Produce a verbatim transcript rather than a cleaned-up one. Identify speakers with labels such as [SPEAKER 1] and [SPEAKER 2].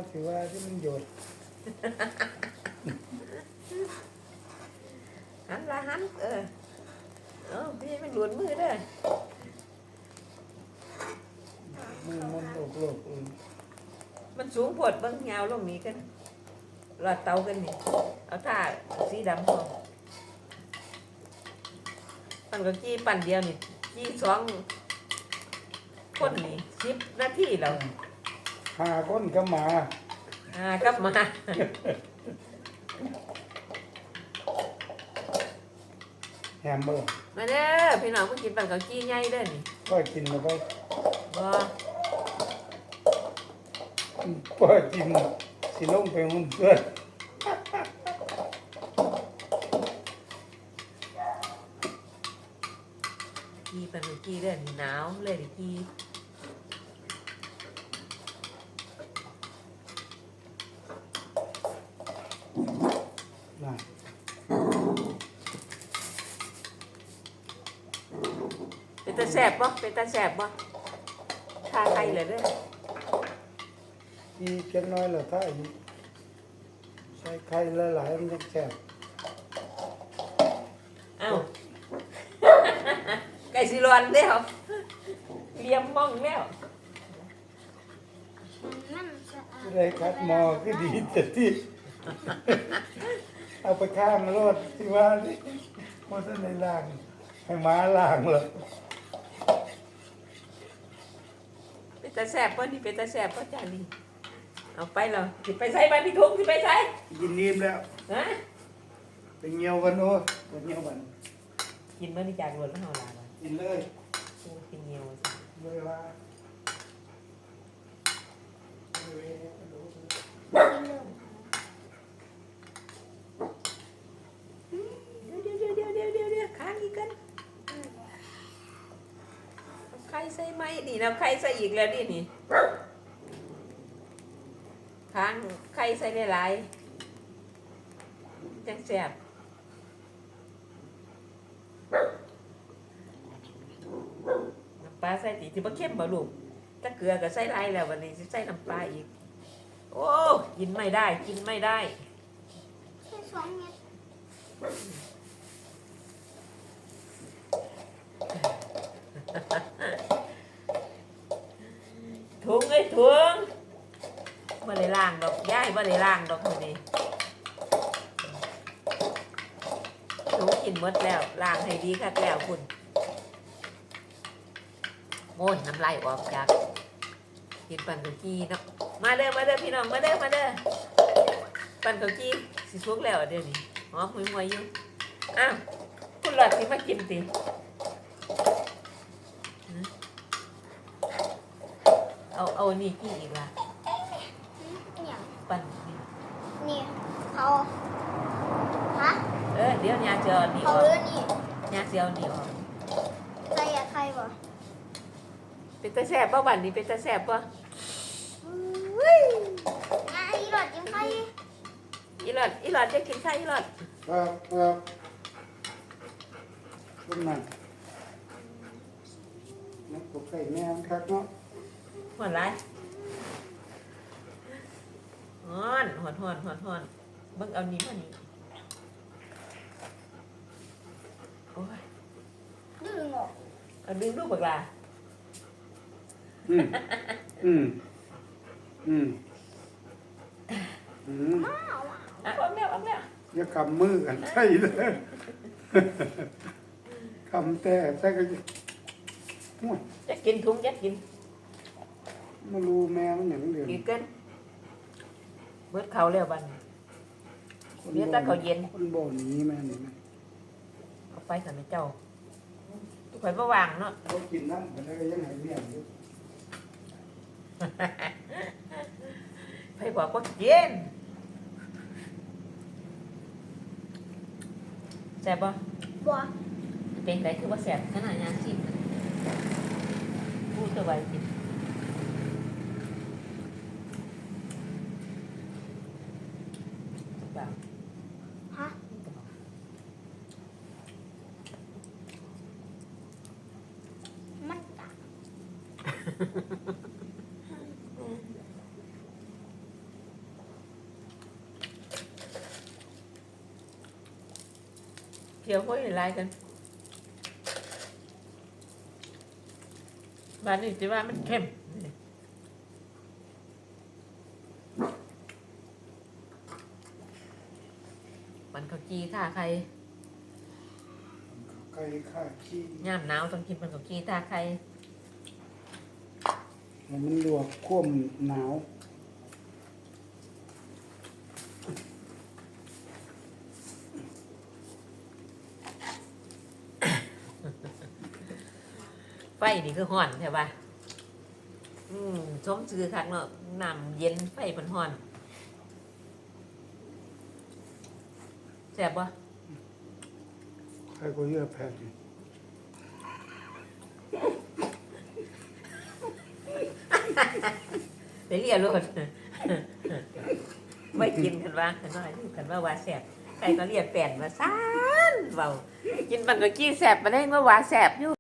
[SPEAKER 1] ถือว่าที่มันหยด
[SPEAKER 2] หันละหันเออเออพี่มันหลุดมือเด้อ
[SPEAKER 1] มือมันโลกโลกอื่น
[SPEAKER 2] มันสูงโพดเบิ่งยาวลงนี้กันรอดเตากันนี่เอาท่าสีดำพอปั่นก็จี้ปั่นเดียวนี่จี้สองคนนี่สิบนาทีแล้ว
[SPEAKER 1] หาคนก็มา
[SPEAKER 2] อ่ากลับมา
[SPEAKER 1] แฮมเบอร์
[SPEAKER 2] มาเด้อพี่น้องเพิ่งกินปั่นก็จี้ใหญ่เด้อนี่
[SPEAKER 1] ก็กินแล้วก็
[SPEAKER 2] บ่
[SPEAKER 1] ก็กินสิลงไปหุ่นเพื่อน
[SPEAKER 2] จี้ปั่นก็จี้เด้อนี่หนาวเลยดิจี้
[SPEAKER 1] น่ะ
[SPEAKER 2] เป็นตาแซ่บบ่เป็นตาแซ่บบ่ทาไข่เลยเด้อ
[SPEAKER 1] อีกแค่น้อยละถ้าอีกใส่ไข่หลายๆมันจะแซ่บ
[SPEAKER 2] เอ้า ไก่สิร้อนแล้วเลี้ยมมองแล้ว
[SPEAKER 3] มันสะอาด
[SPEAKER 1] ได้คัดหมอก็ดีแต่ที่ เอาไปข้างรถที่ว่านี่มันจะในล่างให้ม้าล่างเลย
[SPEAKER 2] เป็นตาแซ่บบ่นี่เป็นตาแซ่บบ่จ้านี่เอาไปแล้วสิไปใส่บ้านพี่ทุกสิไปใส่
[SPEAKER 1] กินนิ่มแล้ว
[SPEAKER 2] ฮะ
[SPEAKER 1] ไปเงียวกันโอ้ไปเงียวกัน
[SPEAKER 2] กินมื้อนี้จากรถแล้วเฮาล่ะบ่
[SPEAKER 1] กินเลย
[SPEAKER 2] โอ้กินเหนียวสิ
[SPEAKER 1] เลยว่า
[SPEAKER 2] เดี๋ยวเดี๋ยวเดี๋ยวเดี๋ยวเดี๋ยวเดี๋ยวค้างอีกกันเอาไข่ใส่ไหมนี่นะไข่ใส่อีกแล้วนี่นี่ค้างไข่ใส่หลายๆจังแซ่บน้ำปลาใส่ติสิบ่เข้มบ่ลูกถ้าเกลือก็ใส่หลายแล้ววันนี้สิใส่น้ำปลาอีกโอ้กินไม่ได้กินไม่ได้
[SPEAKER 3] แค่สองเม็ด
[SPEAKER 2] ถุงไอ้ถุงบ่ได้ล้างดอกย้ายบ่ได้ล้างดอกมื้อนี้ถุงกินหมดแล้วล้างให้ดีคักแล้วคุณโม่นน้ำลายออกจากกินปั่นข้าวจีเนาะมาเด้อมาเด้อพี่น้องมาเด้อมาเด้อปั่นข้าวจีสิสุกแล้วเดี๋ยวนี้หอมหวยๆอยู่อ้าวคุณหลอดสิมากินติเอาเอานี่กี่อีกล่ะ
[SPEAKER 3] เนี่ย
[SPEAKER 2] ปั่นนี่
[SPEAKER 3] นี่เขาฮะ
[SPEAKER 2] เออเดี๋ยวยาจะเอานี่อ
[SPEAKER 3] เขา
[SPEAKER 2] อก
[SPEAKER 3] เรื่องนี่
[SPEAKER 2] ยาจะเอานี่ออก
[SPEAKER 3] ใครอะใครวะ
[SPEAKER 2] เป็นตาแซ่บป่ะบันนี้เป็นตาแซ่บป่ะ
[SPEAKER 3] อุ้ยงานอีหลอดยังใคร
[SPEAKER 2] อีหลอดอีหลอดจะกินไข่อีหลอด
[SPEAKER 1] ครับครับต้นนั่นนักกบไก่แม่คักเนาะ
[SPEAKER 2] หอนไรหอนหอนหอนหอนหอนเบิ่งเอานี้มานี่โอ้ย
[SPEAKER 3] ดึงออก
[SPEAKER 2] เอาดึงลูกบักลา
[SPEAKER 1] อืมอืมอืมอืม
[SPEAKER 3] อ้าวอ่ะ
[SPEAKER 2] อ่ะออกแล้วออกแล้ว
[SPEAKER 1] อย่าคำมือกันใช่เลยคำแต่ใช่ก็จะโอ้ย
[SPEAKER 2] จะกินถุงจะกิน
[SPEAKER 1] มารู้แม่มันอย่างเดียว
[SPEAKER 2] กินเกินเบิดเขาแล้วบัดน เดี๋ยวถ้าเขาเย็น
[SPEAKER 1] คนบ่หนี้แม่นี่แม่
[SPEAKER 2] เอาไปสำหรับเจ้าทุกคนระวางเนาะ
[SPEAKER 1] เขากินน้ำมันก็ยังหายเมี่ยงอยู่
[SPEAKER 2] ไปบอกว่าเย็นแซ่บป่ะ
[SPEAKER 3] บัว
[SPEAKER 2] เป็นไรคือว่าแซ่บขนาดยางชิมพูดตัวไว้กินเปล่า
[SPEAKER 3] ฮะมันกะ
[SPEAKER 2] เกี่ยวห้อยลายกันบ้านนี้จะว่ามันเข้มมันข้าวจีท่าใคร
[SPEAKER 1] ไก่ข้าขี้
[SPEAKER 2] ย่ามหนาวต้องกินมันข้าวจีท่าใคร
[SPEAKER 1] แล้วมันลวกคว่ำหนาว
[SPEAKER 2] ไฟนี่คือห่อนใช่ปะอืมชมซื้อคักเนาะน้ำเย็นไฟมันห่อนแซ่บปะ
[SPEAKER 1] ใครก็เยอะแผ่น
[SPEAKER 2] ไปเรียนรถ ไม่กินกันว่ากันว่ากันว่าว่าแสบใครก็เรียกแฟนมาซ่านเบากินมันก็กี้แสบมาได้เมื่อวาแสบอยู่